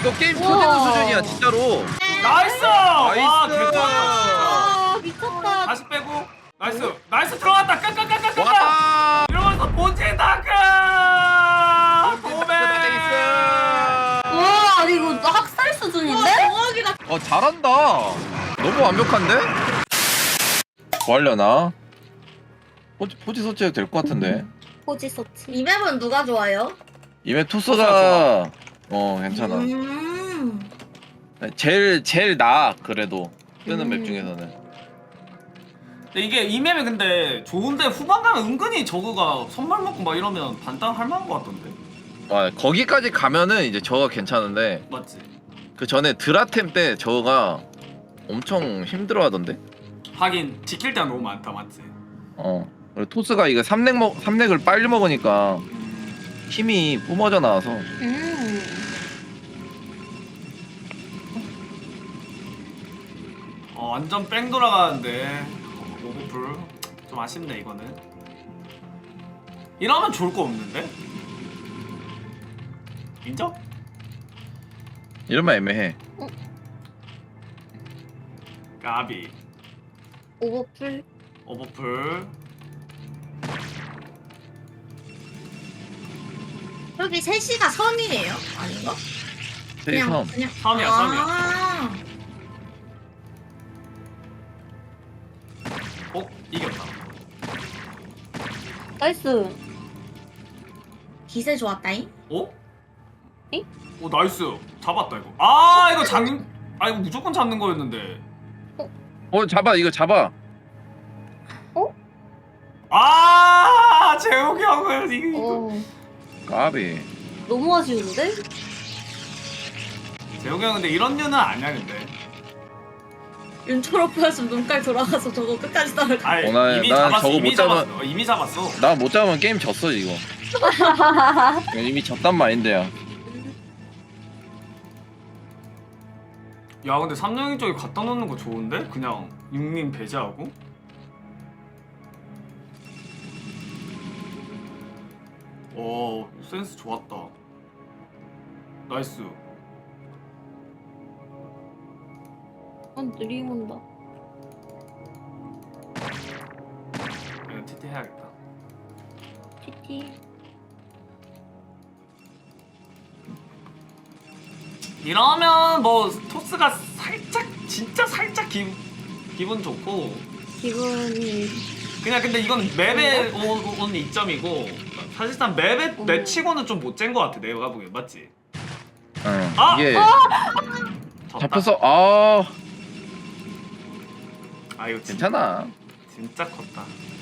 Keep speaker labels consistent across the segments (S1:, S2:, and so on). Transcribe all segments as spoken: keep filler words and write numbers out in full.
S1: 이거 게임 터지는 수준이야 진짜로.
S2: 나이스! 와
S1: 나이스.
S2: 개쩔.
S3: 아 미쳤다.
S2: 다시 빼고 나이스 나이스 들어갔다 깍깍깍깍깍.
S1: 와.
S2: 이러면서 본진 다크. 도배.
S3: 와 아니 이거 학살 수준인데?
S4: 대박이다.
S1: 어 잘한다. 너무 완벽한데? 뭐 하려나? 포지, 포지 서치해도 될 것 같은데.
S3: 포지 서치.
S4: 이 맵은 누가 좋아요?
S1: 이메 투스가 어 괜찮아.
S4: 음.
S1: 제일 제일 나아 그래도 뜨는
S3: 음.
S1: 맵 중에서는.
S2: 근데 이게 이 맵이 근데 좋은데 후반 가면 은근히 저거가 선발 먹고 막 이러면 반땅 할 만한 것 같던데.
S1: 와 거기까지 가면은 이제 저거 괜찮은데
S2: 맞지?
S1: 그 전에 드라템 때 저거가 엄청 힘들어하던데.
S2: 하긴 지킬 때가 너무 많다 맞지?
S1: 어. 그리고 토스가 이거 삼렉 먹 삼렉을 빨리 먹으니까 힘이 뿜어져 나와서.
S3: 음.
S2: 어 완전 뺑 돌아가는데 오버풀 좀 아쉽네 이거는. 이러면 좋을 거 없는데? 인정?
S1: 이러면 애매해.
S2: 까비
S3: 오버풀.
S2: 오버풀.
S4: 여기 셋이가 선이에요? 아닌가?
S1: 세이 섬.
S4: 그냥
S2: 섬이야 섬이야.
S4: 아.
S2: 어? 이겼다.
S3: 나이스.
S4: 기세 좋았다잉.
S2: 어?
S3: 잉?
S2: 오 나이스 잡았다 이거. 아 이거 잡.. 아 이거 무조건 잡는 거였는데.
S1: 어 잡아 이거 잡아.
S2: 아 재욱이 형은 이거
S3: 어
S1: 까비.
S3: 너무 아쉬운데?
S2: 재욱이 형 근데 이런 류는 아니야 근데.
S4: 윤철오프였으면 눈깔 돌아가서 저거 끝까지 따라가.
S2: 아니
S1: 어, 나-
S2: 이미
S1: 난
S2: 잡았어
S1: 저거
S2: 이미
S1: 못 잡아-
S2: 잡았어 이미 잡았어.
S1: 나 못 잡으면 게임 졌어 이거. 이미 졌단 마인드야.
S2: 야 근데 삼령이 쪽에 갖다 놓는 거 좋은데? 그냥 육님 배제하고? 오 센스 좋았다. 나이스.
S3: 난 느림 온다.
S2: 이거 티티 해야겠다.
S3: 티티.
S2: 이러면 뭐 토스가 살짝 진짜 살짝 기, 기분 좋고
S3: 기분이.
S2: 그냥 근데 이건 맵에 오- 온 이점이고 사실상 맵에
S3: 음.
S2: 맵치고는 좀 못 잰 거 같아 내가 보기엔. 맞지?
S1: 응.
S2: 아!
S1: 이게
S2: 졌다.
S1: 잡혔어. 아
S2: 아 이거 진,
S1: 괜찮아.
S2: 진짜 컸다.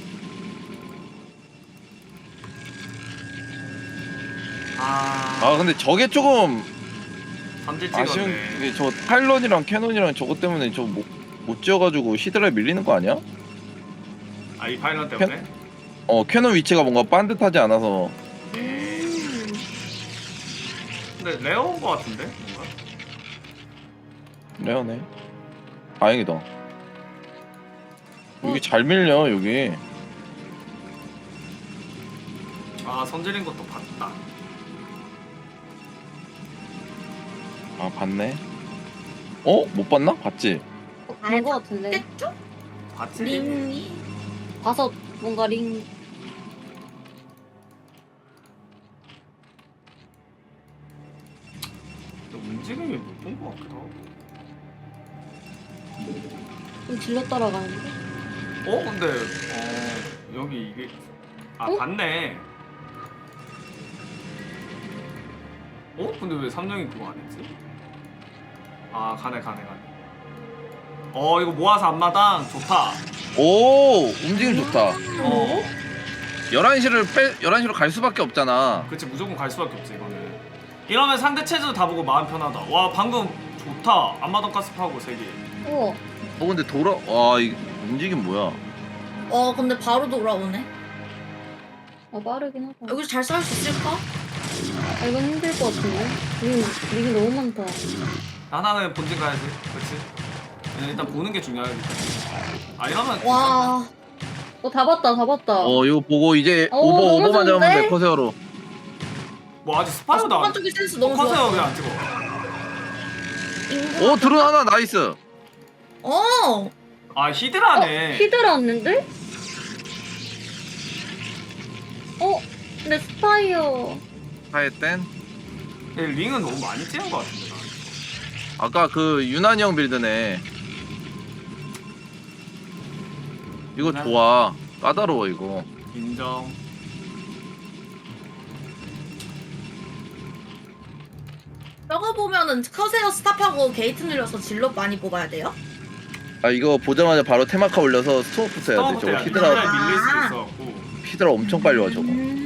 S2: 아,
S1: 아 근데 저게 조금
S2: 삼질
S1: 아쉬운
S2: 찍었네.
S1: 게 저 파일런이랑 캐논이랑 저것 때문에 저 못 못 지어가지고 히드라에 밀리는 거 아니야?
S2: 아 이 파일럿 때문에?
S1: 어 캐논 위치가 뭔가 반듯하지 않아서.
S3: 음.
S2: 근데 레어인 거 같은데? 뭔가?
S1: 레어네. 다행이다. 여기 잘 밀려 여기.
S2: 아 선질인 것도 봤다.
S1: 아 봤네. 어? 못 봤나? 봤지?
S3: 어, 본거 같은데.
S4: 깼죠?
S2: 봤지?
S4: 링이.
S3: 봐서 뭔가 링.
S2: 근데 움직임이 못 본 거 같기도 하고.
S3: 좀 질러 따라가는데.
S2: 어? 근데 어 여기 이게 아
S3: 어?
S2: 봤네. 어? 근데 왜 삼령이 그거 안 했지? 아 가네 가네 가네. 어 이거 모아서 앞마당 좋다.
S1: 오 움직임 좋다.
S2: 어
S1: 열한 시를 빼 열한 시로 갈 수밖에 없잖아.
S2: 그치 무조건 갈 수밖에 없지 이거는. 이러면 상대 체제도 다 보고 마음 편하다. 와 방금 좋다. 앞마당 가스파고 세 개.
S3: 우와.
S1: 어 근데 돌아 와이 움직임 뭐야?
S4: 어 근데 바로 돌아오네.
S3: 아 빠르긴 하다.
S4: 여기서 잘 싸울 수 있을까?
S3: 아 이건 힘들 것 같은데. 링 링이 너무 많다.
S2: 하나는 본진 가야지. 그치? 일단 보는 게 중요하기 때문에. 아 이러면
S4: 와.
S3: 어다 봤다 다 봤다.
S1: 어 이거 보고 이제
S3: 어,
S1: 오버
S3: 너무
S1: 오버만 잡으면
S3: 좋은데?
S1: 돼 커세어로.
S2: 뭐 아직
S4: 아,
S2: 스파이어도 안
S4: 쪽이 센스 너무
S2: 커세요
S4: 좋아.
S2: 왜 안 찍어?
S4: 인구.
S1: 오 드론 하나 나이스.
S4: 어.
S2: 아 히드라네.
S3: 히드라 왔는데? 어? 근데 스파이어.
S1: 하이땐
S2: 얘 링은 너무 많이 찌는 것 같은데. 나.
S1: 아까 그 유난히 형 빌드네. 이거
S2: 유난-
S1: 좋아. 까다로워 이거.
S2: 인정.
S4: 저거 보면은 커세어 스탑하고 게이트 늘려서 질럿 많이 뽑아야 돼요?
S1: 아 이거 보자마자 바로 테마카 올려서 스톱부터 해야 돼. 저거 히드라
S2: 히드라 밀릴 수
S4: 아.
S2: 있어갖고.
S1: 히드라 엄청 빨리 와 저거.
S4: 음.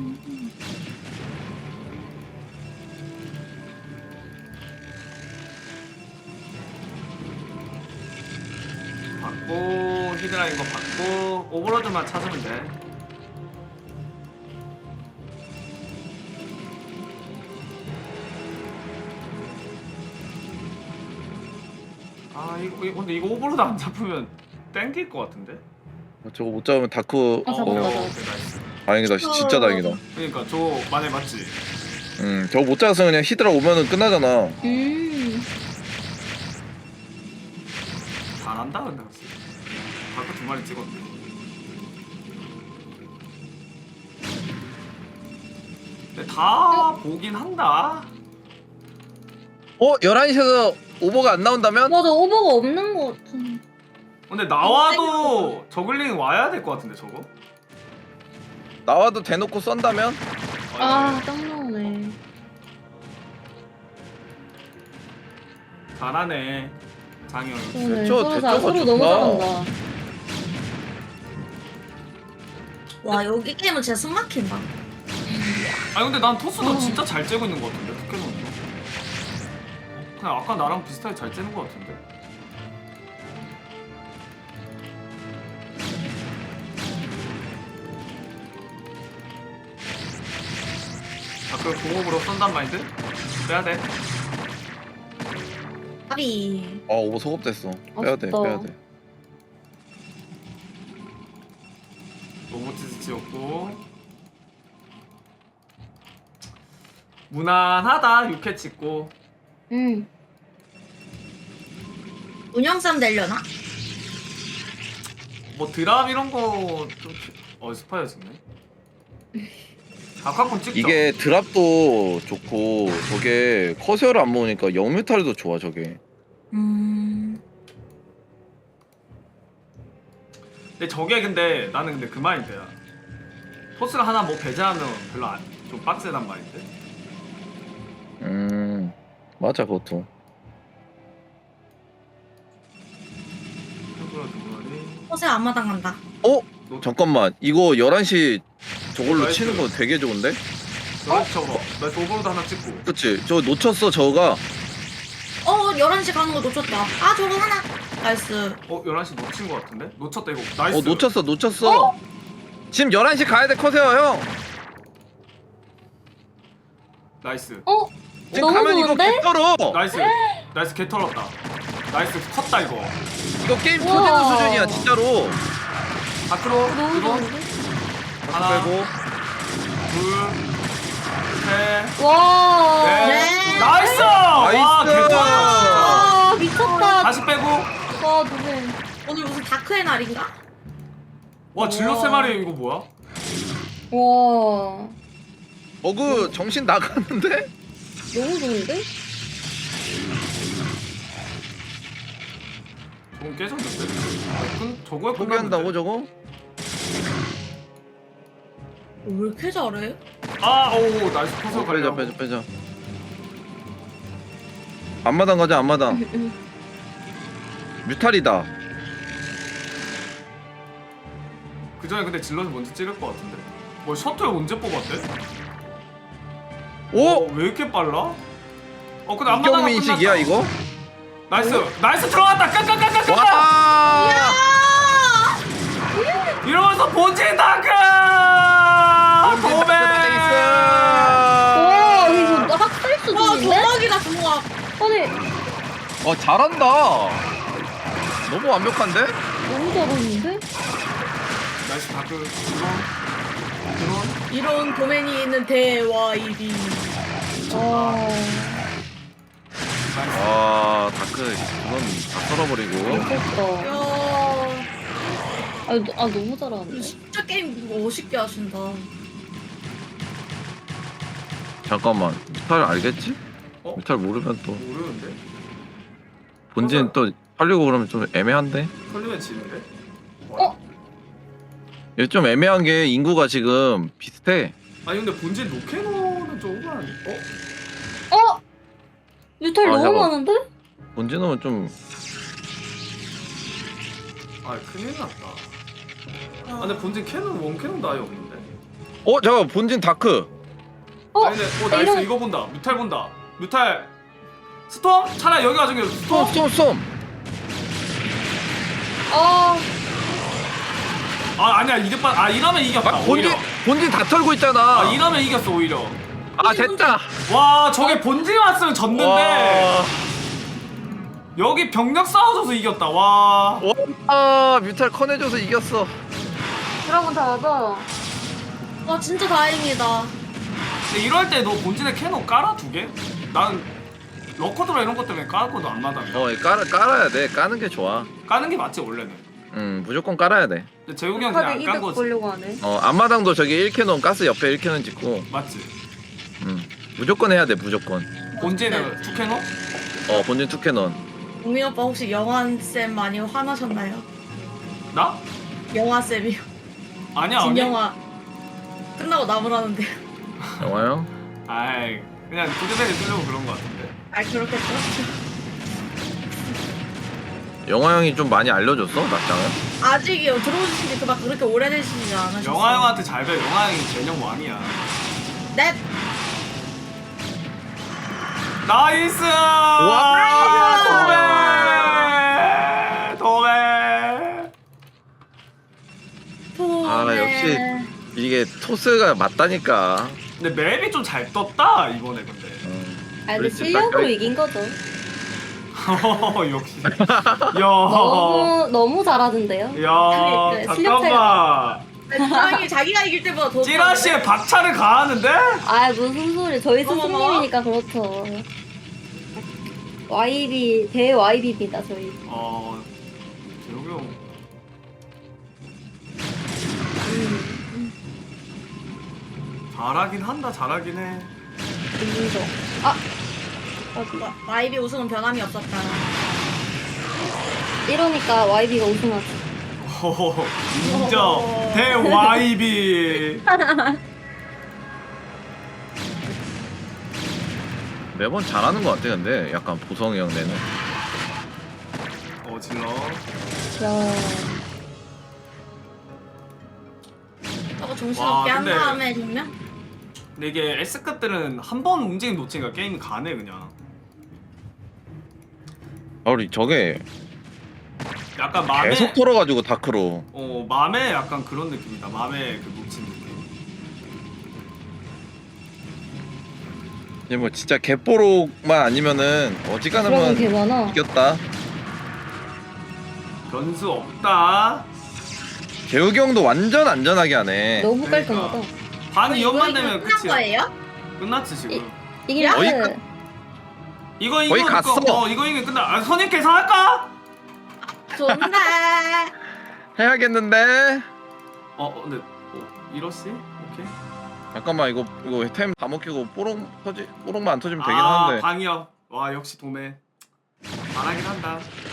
S2: 받고 히드라인 거 받고 오버로드만 찾으면 돼. 아 이거, 이거 근데 이거 오버로드 안 잡으면 땡길 것 같은데?
S1: 저거 못 잡으면 다크.
S3: 아,
S1: 어,
S3: 잡았다, 잡았다.
S2: 오케이, 나이스.
S1: 다행이다. 시- 진짜 다행이다.
S2: 그러니까 저 만에 맞지?
S1: 음 저거 못 잡았으면 그냥 히드라 오면은 끝나잖아.
S3: 음.
S2: 잘한다 근데 확실히. 바꿔 두 마리 찍었네. 근데 다 보긴 한다.
S1: 어 열한 시에서 오버가 안 나온다면?
S3: 맞아, 오버가 없는 것 같아.
S2: 근데 나와도 저글링 와야 될 것 같은데 저거?
S1: 나와도 대놓고 썬다면?
S3: 아, 딱 나오네.
S2: 잘하네 장영이.
S3: 오늘
S1: 저
S3: 서로 다
S1: 대처가
S3: 서로
S1: 좋다.
S3: 너무 잘한다.
S4: 와 여기 게임은 진짜 숨 막힌다.
S2: 아니 근데 난 토스도
S3: 어.
S2: 진짜 잘 째고 있는 것 같은데 포켓몬도. 그냥 아까 나랑 비슷하게 잘 째는 것 같은데. 아 그걸 공업으로 쏜단 마인드? 빼야 돼.
S4: 아비.
S1: 아 오버 소급됐어. 빼야 돼
S3: 아쉽다.
S1: 빼야 돼.
S2: 로보티스 치웠고 무난하다. 육 회 찍고.
S3: 응.
S4: 운영쌈 되려나?
S2: 뭐 드랍 이런 거좀 어 스파이어 찍네. 아카콘 찍죠.
S1: 이게 드랍도 좋고 저게 커세어를 안 모으니까 영뮤탈도 좋아 저게.
S4: 음.
S2: 근데 저게 근데 나는 근데 그 마인드야. 토스가 하나 뭐 배제하면 별로 안, 좀 빡세단 마인드.
S1: 음 맞아 그것도.
S2: 템플러 두 마리.
S4: 커세어 앞마당 간다.
S1: 어?
S2: 노-
S1: 잠깐만 이거 열한 시 저걸로
S2: 나이스.
S1: 치는 거 되게 좋은데?
S2: 저 저거 나 오버로드 하나 찍고.
S1: 그치? 저거 놓쳤어 저거가.
S4: 어 열한 시 가는 거 놓쳤다. 아 저거 하나. 나이스.
S2: 어 열한 시 놓친 거 같은데? 놓쳤다 이거. 나이스.
S1: 어 놓쳤어 놓쳤어. 지금 열한 시 가야 돼 커세어 형.
S2: 나이스.
S3: 어?
S1: 지금
S3: 너무
S1: 가면 이거
S3: 좋은데?
S1: 개떨어.
S2: 나이스. 나이스 개 털었다. 나이스 컸다 이거.
S1: 이거 게임
S3: 우와.
S1: 터지는 수준이야 진짜로.
S2: 밖으로
S3: 너무
S2: 드론
S3: 좋은데?
S2: 하나
S1: 빼고.
S2: 둘셋
S3: 와.
S2: 넷.
S4: 네.
S2: 나이스. 와
S1: 나이스.
S2: 개 털었다.
S3: 아, 미쳤다.
S2: 다시 빼고.
S3: 와, 누구야.
S4: 오늘 무슨 다크의 날인가?
S2: 와 질럿
S3: 우와.
S2: 세 마리 이거 뭐야?
S3: 와.
S1: 어그 정신 나가는데?
S3: 너무 좋은데?
S2: 저건 깨졌는데? 아, 끈, 저거에
S1: 포기한다고 저거?
S4: 어, 왜 이렇게 잘해?
S2: 아, 오, 나이스 포서
S1: 어, 빼자
S2: 가려.
S1: 빼자 빼자. 앞마당 가자 앞마당.
S3: 응.
S1: 뮤탈이다.
S2: 그 전에 근데 질럿이 먼저 찌를 것 같은데. 뭐 셔틀 언제 뽑았대?
S1: 오?
S2: 어, 왜 이렇게 빨라? 어, 근데 안마당
S1: 이경민식이야 이거?
S2: 나이스, 나이스 들어갔다. 깍깍깍깍깍.
S1: 와!
S2: 이러면서 본진 다크. 도배.
S3: 와, 이거 학살
S4: 와
S3: 수준인데?
S4: 도박이다 도박.
S3: 아니,
S1: 어 잘한다. 너무 완벽한데?
S3: 너무 잘하는데?
S2: 나이스 다크. 드론. 드론.
S4: 이런 도맨이 있는 대와 일이.
S3: 아.
S2: 나이스.
S1: 와. 그건 다 썰어버리고.
S3: 미쳤다.
S4: 이야,
S3: 아, 너, 아 너무 잘하는데.
S4: 진짜 게임 멋있게 하신다.
S1: 잠깐만, 뮤탈 알겠지?
S2: 어?
S1: 뮤탈 모르면 또
S2: 모르는데?
S1: 본진 또 팔리고 그러면 좀 애매한데?
S2: 털리면 지는데?
S3: 어?
S1: 얘 좀 애매한 게 인구가 지금 비슷해.
S2: 아니 근데 본진 로케노는 좀 오버한 어?
S3: 어? 뮤탈
S1: 아,
S3: 너무
S1: 잠깐.
S3: 많은데?
S1: 본진은 좀
S2: 아 큰일 났다. 아 근데 본진 캐논 원캐논도 아예 없는데?
S1: 어? 잠깐 본진 다크.
S3: 어?
S2: 아니 근데 어 나이스
S3: 이런-
S2: 이거 본다. 뮤탈 본다. 뮤탈 스톰? 차라리 여기 와중에 스톰?
S1: 쏨 쏨.
S3: 아,
S2: 아 아니야 이득반 아 이러면 이겼다
S1: 막 본진
S2: 오히려.
S1: 본진 다 털고 있잖아.
S2: 아 이러면 이겼어 오히려.
S1: 아 됐다.
S2: 와 저게 본진 왔으면 졌는데
S1: 와.
S2: 여기 병력 싸워줘서 이겼다. 와.
S1: 와 뮤탈 커내줘서 이겼어.
S3: 드라곤 다 맞아.
S4: 와, 진짜 다행이다.
S2: 근데 이럴 때 너 본진에 캐논 깔아 두 개? 난 러커드라 이런 것 때문에 깔고도 안 마당이야.
S1: 어 깔아 깔아야 돼. 까는 게 좋아.
S2: 까는 게 맞지 원래는.
S1: 음 무조건 깔아야 돼.
S2: 근데 재욱이 형 그냥
S3: 카드
S2: 안 깐
S3: 이득
S2: 거지.
S3: 보려고 하네.
S1: 어 앞마당도 저기 일 캐논 가스 옆에 일 캐논 짓고.
S2: 맞지?
S1: 음 무조건 해야 돼 무조건.
S2: 본진에 두 캐논?
S1: 어 본진 투 캐논.
S4: 동민 오빠 혹시 영환쌤 많이 화나셨나요?
S2: 나?
S4: 영화쌤이요.
S2: 아니야 아니.
S4: 진영화 끝나고 나무라는데.
S1: 영화요?
S2: 아이 그냥 도대체를 쓰려고 그런 거 같은데.
S4: 아, 그렇겠죠.
S1: 영화 형이 좀 많이 알려줬어 낙장을?
S4: 아직이요. 들어오신 지 그막 그렇게 오래되시지 않으셨어요.
S2: 영화 형한테 잘 배. 영화 형이 전형 왕이야.
S4: 네.
S2: 나이스!
S1: 와!
S2: 도배! 도배!
S4: 도매.
S1: 아, 역시. 이게 토스가 맞다니까.
S2: 근데 맵이 좀 잘 떴다 이번에 근데.
S1: 음.
S3: 아, 근데
S1: 그렇지,
S3: 실력으로
S1: 딱
S3: 이긴 거죠.
S2: 역시. 야.
S3: 너무 너무 잘하던데요.
S2: 야
S3: 네, 실력
S2: 잠깐만.
S4: 다행히 자기가 이길 때보다 더.
S2: 찌라시에 박차를 가하는데?
S3: 아, 무슨 소리? 저희
S4: 어머머.
S3: 스승님이니까 그렇죠. 와이비 대 와이비입니다 저희.
S2: 어. 재욱이 형.
S3: 음,
S2: 잘하긴 한다 잘하긴 해.
S3: 인정. 아, 어디?
S4: 와, 와이비 우승은 변함이 없었다.
S3: 이러니까 와이비가 우승하지.
S2: 호호호. 인정. 대 와이비.
S1: 매번 잘하는 것 같아 근데 약간 보성이 형 내는.
S2: 어 질러.
S3: 야,
S4: 저거
S2: 와,
S4: 정신없게 한
S2: 근데-
S4: 다음에 정면?
S2: 근데 이게 S급들은 한 번 움직임 놓치니까 게임이 가네 그냥.
S1: 아 우리 저게
S2: 약간 맘에
S1: 계속 털어가지고 다크로.
S2: 어 맘에 약간 그런 느낌이다. 맘에 그 놓친 느낌.
S1: 이제 뭐 진짜 개뽀록만 아니면은
S3: 드라곤
S1: 어지간하면
S3: 개 많아.
S1: 이겼다.
S2: 변수 없다.
S1: 재욱이 형도 완전 안전하게 하네.
S3: 너무
S2: 그러니까.
S3: 깔끔하다.
S2: 반
S4: 이거
S2: 이연만
S4: 이거
S2: 되면
S4: 끝난
S2: 끝이야.
S4: 거예요?
S2: 끝났지 지금.
S3: 이길
S1: 거의
S3: 때
S1: 끝-
S2: 이거 이거
S1: 거의 갔어.
S2: 어 이거 이게 끝나. 아, 선임 계산할까?
S4: 좋네.
S1: 해야겠는데.
S2: 어 어, 근데 어, 이러시? 오케이.
S1: 잠깐만 이거 이거 템 다 먹히고 뽀록 터지 뽀록만 안 터지면 되긴
S2: 아
S1: 하는데.
S2: 방이요. 와 역시 도매. 잘하긴 한다.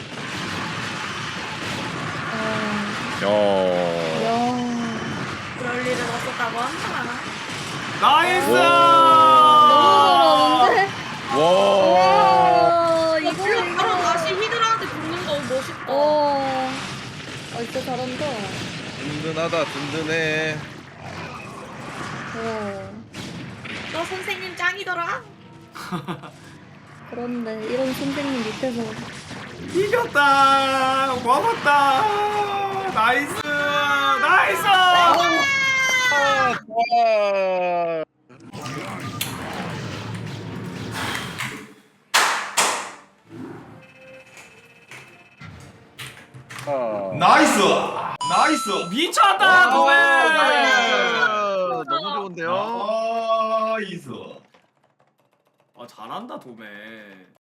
S3: 아,
S1: 야.
S3: 야,
S4: 그럴 일은 없었다고 한다.
S2: 나이스!
S3: 너무 잘하는데?
S1: 와.
S3: 와,
S4: 이거
S3: 이거
S4: 물론 바로 다시 히드라한테 붙는 거 멋있다.
S3: 어, 아 진짜 잘한다.
S1: 든든하다 든든해.
S3: 와,
S4: 너 선생님 짱이더라.
S3: 그런데 이런 선생님 밑에서
S2: 이겼다. 고맙다. 나이스. 나이스.
S1: 아, 좋아. 아.
S5: 나이스! 나이스!
S2: 미쳤다 도매.
S1: 아, 너무 좋은데요?
S5: 나이스!
S2: 아 잘한다 도매.